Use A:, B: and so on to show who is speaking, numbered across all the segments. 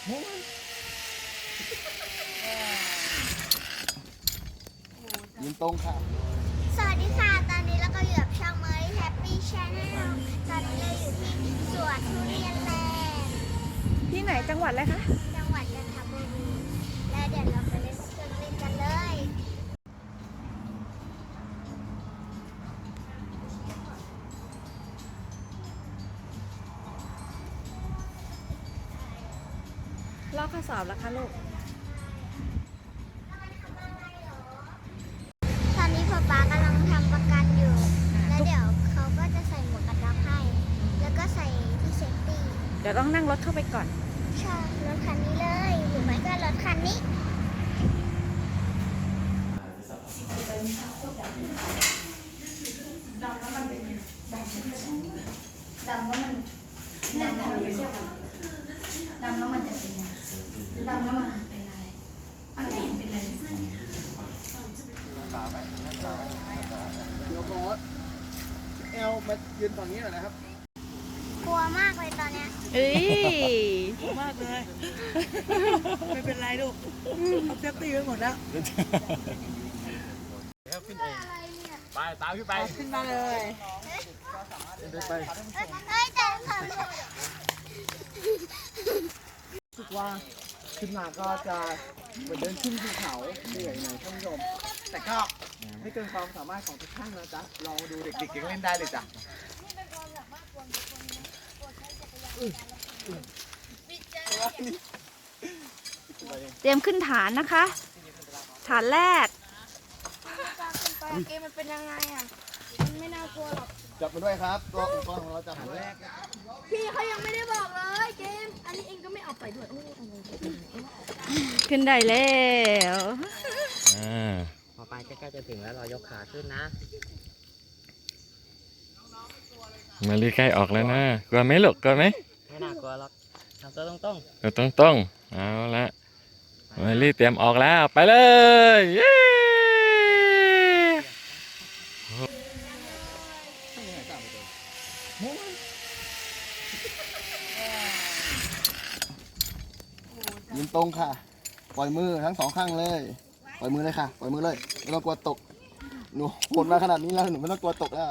A: ยืนตรงค่ะ
B: สวัสดีค่ะตอนนี้เราก็อยู่กับช่อง Murray Happy Channel ตอนนี้เราอยู่ที่สวนทุเรียนแลนด์
C: ที่ไหนจังหวัดอะไรคะ
B: จังหวัดจันทบุรีแล้วเดี๋ยวเราไปเล่นเครื่องเล่นกันเลย
C: ลอกข้อสอบแล้วคะลูก
B: ตอนนี้ป๊ากำลังทำประกันอยู่แล้วเดี๋ยวเขาก็จะใส่หมวกกันน็อกให้แล้วก็ใส่ที่เซฟตี้
C: เดี๋ยวต้องนั่งรถเข้าไปก่อน
B: ใช่รถคันนี้เลยหรือไม่ก็รถคันนี้
D: ดำแล้วมันเป็นดำแล้วมันเนี่ยดำไปเที่ยวกันดำแล้วมันจะเป็นยังดำแล้วมันเป็นอะไรอันไหนเป็นอะไร
A: เดี๋ยวโค้ดเอลมายืนฝั่งนี้หน่อยนะครับ
B: กลัวมากเลยตอนเนี้ย
C: เอ้ย
D: มากเลยไม่เป็นไรลูกเอาเซฟตี้ไว้หมดแล้ว
A: ไปตามขึ้นไป
D: ขึ้นมาเลย
A: ไป
B: เฮ้ยแต่ค่ะ
A: รู้สึกว่าขึ้นมาก็จะเหมือนเดินขึ้นภูเขาเหนื่อยหน่อยท่านผู้ชมแต่ก็ไม่เกินความสามารถของทุกท่านนะจ๊ะลองดูเด็กๆยังเล่นได้เลยจ้ะ
C: เตรียมขึ้นฐานนะคะฐานแรก
B: เกมมันเป็นยังไงอ่ะมันไม่น่ากลัวหรอก
A: จับมาด้วยครับตัวอุปกรณ์ของเราจับมาด้วย
B: พี่เขายังไม่ได้บอกเลยเกมอันนี้เองก็ไม่เอาไปด้วย
C: ขึ้นได้แล้ว
E: พอไปใกล้ๆจะถึงแล้วเรายกขาขึ้นนะ
F: มาลีใกล้ออกแล้วนะกลัวไหมลูกกลัวไหม
E: ไม่น่ากลัวหรอกทำตัวตรงๆ
F: ตัวตรงๆเอาละมาลีเตรียมออกแล้วไปเลยเย้
A: ยืนตรงค่ะปล่อยมือทั้งสองข้างเลยปล่อยมือเลยค่ะปล่อยมือเลยไม่ต้องกลัวตกหนูโหดมาขนาดนี้แล้วหนูไม่ต้องกลัวตกแล้ว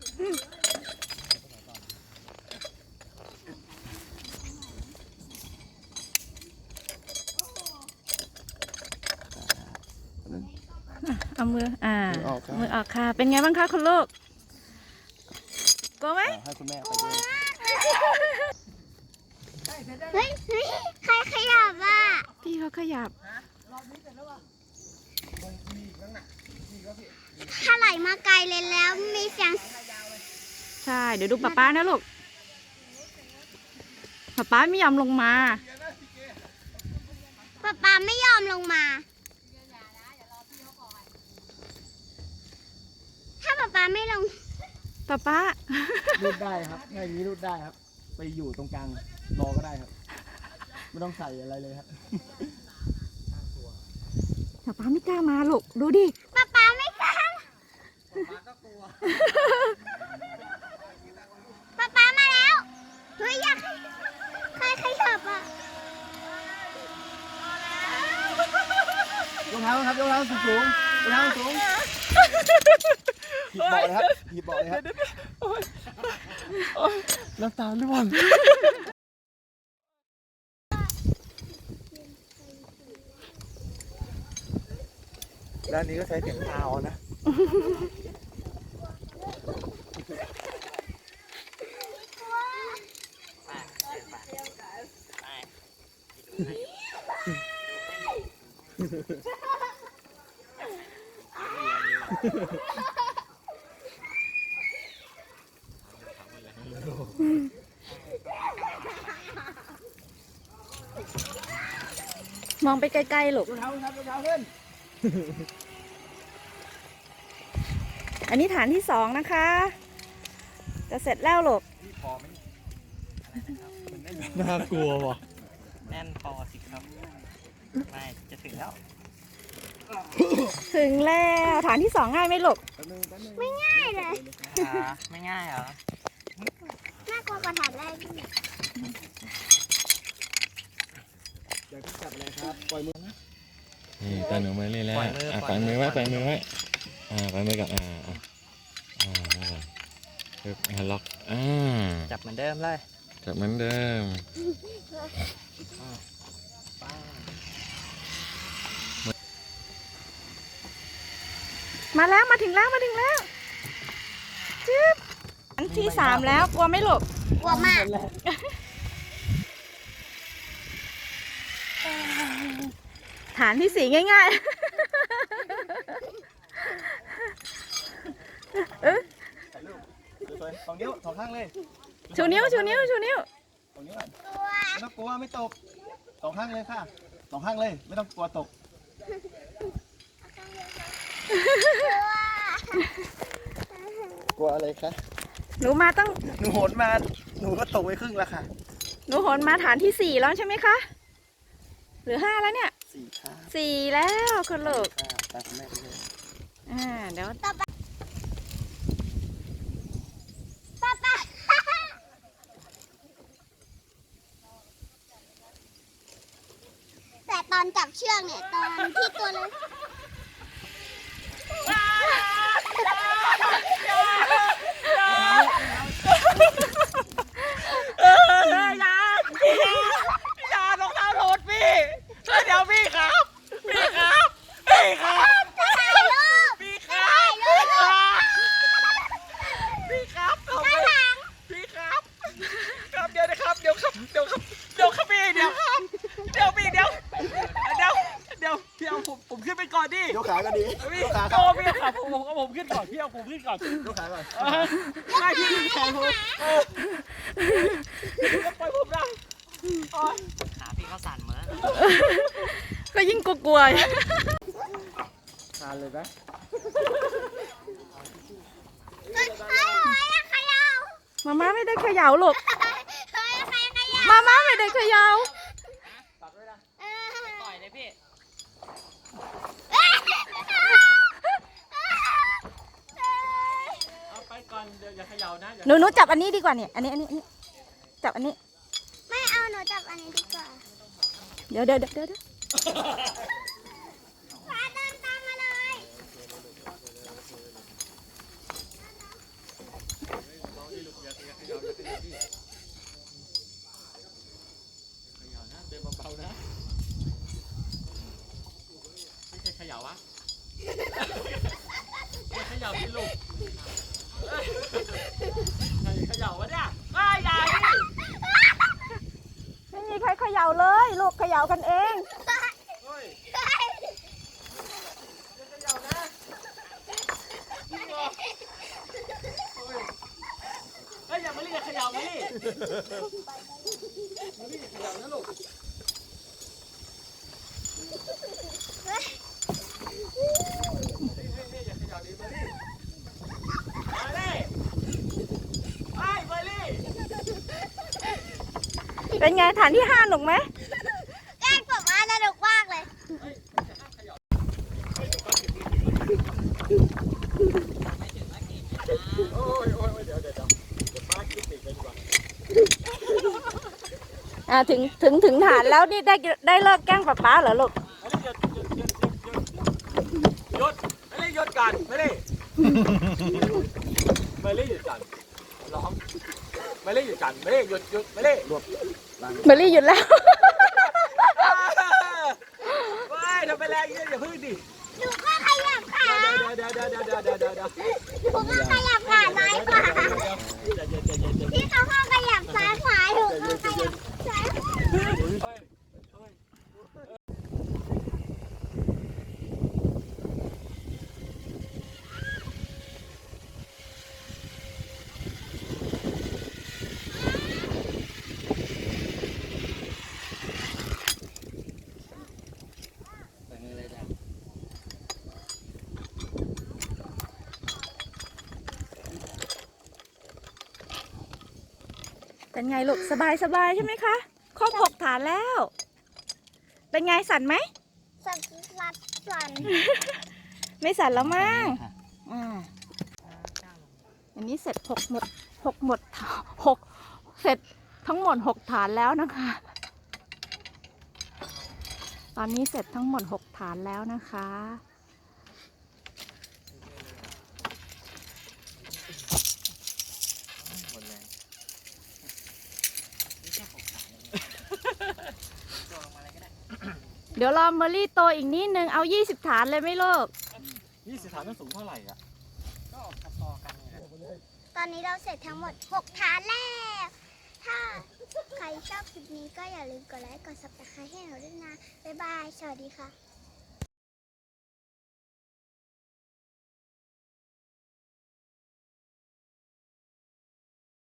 C: เอามือมือออกค่ะเป็นไงบ้างคะคุณลูกกลัวไหม
A: ให้คุณแม่ไปด้วย
B: เฮ้ยใครขยับอ่ะ
C: พี่เขาขยับ
B: ถ้าไหลมาไกลเลยแล้วมีเสียง
C: ใช่เดี๋ยวดูป๊านะลูกป๊าไม่ยอมลงมา
B: ป๊าไม่ยอมลงมาถ้าป๊าไม่ลง
C: ป๊า
A: รูดได้ครับง่ายนี้รูดได้ครับไปอยู่ตรงกลางรอก็ได้ครับไม่ต้องใส่อะไรเลยครับ
C: ป๊าไม่กล้ามาลูกดูดิ
B: ป๊าไม่กล้า
A: ป๊าก็กลัว
B: ป๊ามาแล้วเฮ้ยอยากใครขยับอ่ะ
A: ยกเท้าครับยกเท้าสูงยกเท้าสูงหีบเบาะเลยครับหีบเบาะเลยครับน้ำตาล่วงด้านนี้ก็ใช้เสียงเท้านะ
C: มองไปไกลๆลูกอันนี้ฐานที่2นะคะจะเสร็จแล้วลูก
A: น่ากลัวว่ะ
E: แน่นพอสิครับไม่จะถึงแล้ว
C: ถึงแล้วฐานที่2ง่ายไหมลูก
B: ไม่ง่ายเลย
E: ไม่ง่ายเหรอ
B: น่ากลัวกว่าฐานแรก
A: จะจับอะไรครับปล่อยมือนะ
F: นี่ตาหนูเมลี่แล้ว
E: ปล่อยมือ
F: ป
E: ปล่
F: ล่อ
E: อย ยมื
F: มือ
E: อ
F: ไว้
E: ป
F: ป
E: ล่
F: ล่
E: อ
F: อย ย
E: มื
F: มื
E: อ
F: อไว้ปล่อยมือก่อนไว้ก่อนปึ๊บล็อก
E: จับเหมือนเดิมเลย
F: จับเหมือนเดิม
C: มาแล้วมาถึงแล้วจึ๊บอันที่3แล้วกลัวไหม่หลบ
B: กลัวมาก
C: ฐานที่4ง่ายๆ
A: สวยสองนิ้วสองข้างเลย
C: ชูนิ้ว
A: สองนิ้วก่อนไม่ต้องกลัวไม่ตกสองข้างเลยค่ะสองข้างเลยไม่ต้องกลัวตกกลัวอะไรคะ
C: หนูมาต้อง
A: หนูโหนมาหนูก็ตกไปครึ่งแล้วค่ะ
C: หนูโหนมาฐานที่4แล้วใช่ไหมคะหรือ5แล้วเนี่ย
A: สี่ค่ะ
C: 4แล้วคุณลูก
A: ค่ะตามคุณแม่ไปเลย
C: เดี๋ยว
B: ป้าแต่ตอนจับเชือกเนี่ยตอนที่ตัวเลย
E: อย่ารองเท้าหลุดพี่เดี๋ยวพี่ครับพี่ครับพี่ครับ
B: ถ่ายรูป
E: พี่ค
B: ถ่า
E: รับ
B: ยรูป
E: พี่ครับทำไม
B: ข้างหลัง
E: พี่ครับครับเดี๋ยวนะครับเดี๋ยวครับพี่เดี๋ยวครับเดี๋ยวพี่เดี๋ยวพี่เอาผมขึ้นไปก่อนดิ
A: ยกขาก็ดี
E: พี่
A: ยกขา
E: โตพี่ครับผมขึ้นก่อนพี่เอาผมขึ้นก่อน
A: ยกขาก่อน
E: ไม่พี่แขนผมปล่อยผมนะขาพี่เขาสั่นเหมือน
C: ก็ยิ่งกลัว
A: ทานเลยไหม
B: เฮ้ยขยับ
C: ๆมาม่าไม่ได้เขย่าลูก
B: เฮ้ยใครขยับ
C: มาม่าไม่ได้เขย่า
B: เออ
E: ปล่อยเลยพี่ เอาไปก่อนเดี๋ยวอย่าเขย่านะ
C: หนูจับอันนี้ดีกว่าเนี่ยอันนี้จับอันนี้
B: ไม่เอาหนูจับอันนี้ดีกว่า
C: เดี๋ยว
B: พาเดินตามมาเลย
E: เดินเบาๆนะไม่ใช่เขย่าวะไม่เขย่าพี่ลูกเขย่าวะเนี่ยไม่ใหญ่
C: ไม่มีใครเขย่าเลยลูกเขย่ากันเอง
E: เฮ้ยเขย่านะพี่บอกเฮ้ยอย่ามาเรียกเขย่ามาดิมาดิเขย่านะลูกอย่าเขย่าดิมาดิมาดิไปมาดิ
C: เป็นไงฐานที่5หนุกไหม
B: แกล้งผมมาสนุกมากเลย
C: ถึงฐานแล้วนี่ได้เลิกแกล้งป๊าเหรอลูก
E: หยุดไม่ได้หยุดกันไม่ได้ไม่ได้หยุดกันร้องไม่ได้หยุดกันไม่ได้หยุดไม่ได้
C: เบลลี่หยุดแล้ว
E: ไม่ทำไปแล้วอย่าพึ่งดิ
B: หนูก็ขยับขา
E: เดี๋ยว
B: หนูก็ขยับขาซ้ายขวาพี่เขาก็ขยับซ้ายขวาหนูก็ขยับซ้ายขวา
C: เป็นไงลูกสบายใช่ไหมคะครบ6ฐานแล้ว เป็นไงสั่นไหม
B: สั่นลัดสั่น
C: ไม่สั่นแล้วมั้งอันนี้เสร็จเสร็จทั้งหมด6ฐานแล้วนะคะตอนนี้เสร็จทั้งหมด 6 ฐานแล้วนะคะ เดี๋ยวรอเมอรี่โตอีกนิดนึง เอา 20 ฐานเลยไหมลูก
E: 20 ฐานนั้นสูงเท่าไหร่อ่ะ
B: ตอนนี้เราเสร็จทั้งหมด 6 ฐานแล้ว ถ้าใครชอบคลิปนี้ก็อย่าลืมกดไลค์ กด subscribe ให้เราด้วยนะ บ๊ายบาย สวัสดีค่ะ